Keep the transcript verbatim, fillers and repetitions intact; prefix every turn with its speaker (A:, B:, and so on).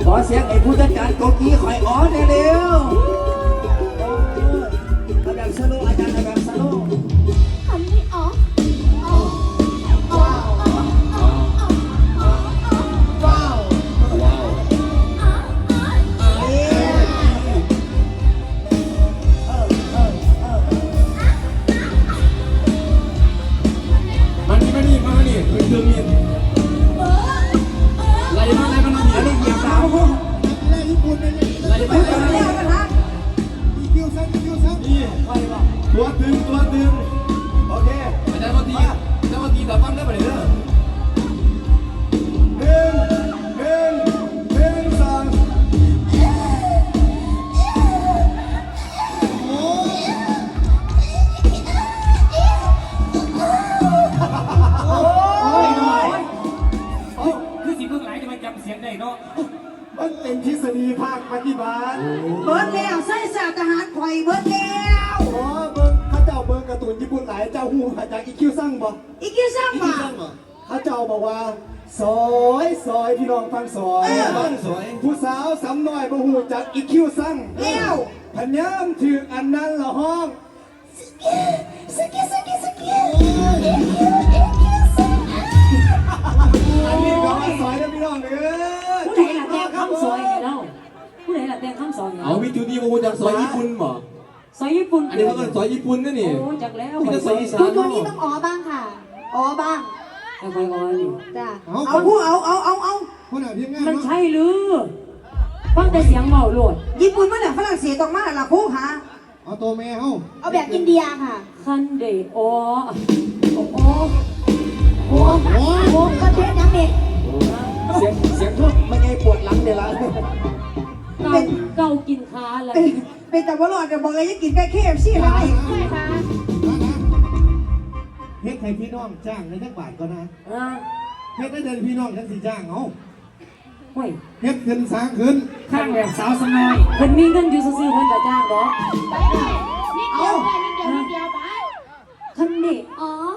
A: ขอเสียงไอ้ผู้จัดการโกกี้คอยอ้อนเร็วเอาแบบสโลอาจารย์เอาแบบสโล
B: ทำไม่ออก
A: ว้าวว้าวเอ๊ะเออเออเออ
C: มานี่มานี่มานี่เป็นเครื่องมีดไล่มาไล่มาน้องอันนี้เหยียบดาวไล่ญี่ปุ่นเลยไล่ไปไล่มาอีคิวซังอีคิวซังนี่ตัวตึงตัวตึงโอเคอาจารย์มาตีอาจารย์มาตีแต่ฟังได้ไหมเด้อหนึ่งหนึ่งหนึ่งสองโอ้ยคือสิเพิ่งไหลจะมาจำเสียงได้เนาะมันเป็นทฤษฎีภาคปฏิบัติ
B: เบิร์ดแล้วใส่สาทหารข่อยเบิร์ดแล้ว
C: โอ้เบิ้งข้าเจ้าเบิ้งการ์ตูนญี่ปุ่นหลายเจ้าหูมาจากอีคิวซังบ่
B: อีกกี่สร้างมา
C: ข้าเจ้าบอกว่าซอยซอยพี่น้องฟังซอยฟังซอยผู้สาวสำน้อยบ่หูจากอีคิวซัง
B: แล้ว
C: พญามถืออันนั้นละห้อง
B: สกิสกิสกิ
C: อันนี้ก็ว่าซอยนะพี่น้องเด้อ
D: ผู้ใดล่ะแต่งคำซอยไงเล่าผู้ใดล่ะแต่งคำซอยไง
E: เอาวิจูนี่มาจากซอยญี่ปุ่นบ่
D: ซอยญี่ปุ่น
E: อันนี้เขาเป็นซอยญี่ปุ่นนะนี่
D: โอ้จากแล้ว
E: นี่ก็ซอยอีสาน
B: คุณตัวนี้ต้องอ๋อบ้างค่ะอ๋อบ้าง
D: แต่คอยอ่อนนี่
B: จ้ะเอาผู้เอาเอาเอาเอา
C: คนไหนพี่งาน
D: มันใช่หรือฟังแต่เสียงเมาโหลด
B: ญี่ปุ่นมาเนี่ยฝรั่งเศสต้องมาละผู้หา
C: เอาตัวแม่เฮา
B: เอาแบบอินเดียค่ะ
D: คันเดโอโอ้โห
B: โอ้โหโอ้ประเทศยังเด็ก
A: เสียงเสียงทุกไม่ไงปวดหลังเดี๋ยวละ
D: เก่าเก่ากินค้าอะไร
B: เป็นเป็นแต่ว่าหลอดจะบอกเลยจะกินแค่เคฟซี่อะไรค่ะ
C: เฮ็ดให้พี่น้องจ้างในจักบาทก็นะ
D: อ่า
C: เฮ็ดได้เดินพี่น้องกันสิจ้างเอา
D: ห่วย
C: เฮ็ดขึ้นสร้างขึ้น
D: ข้างแบบสาวสน้อยเพิ่นมีเงินอยู่ซื่อๆเพิ่นจะจ้างดอก
B: เอา
D: คันเดอ๋อ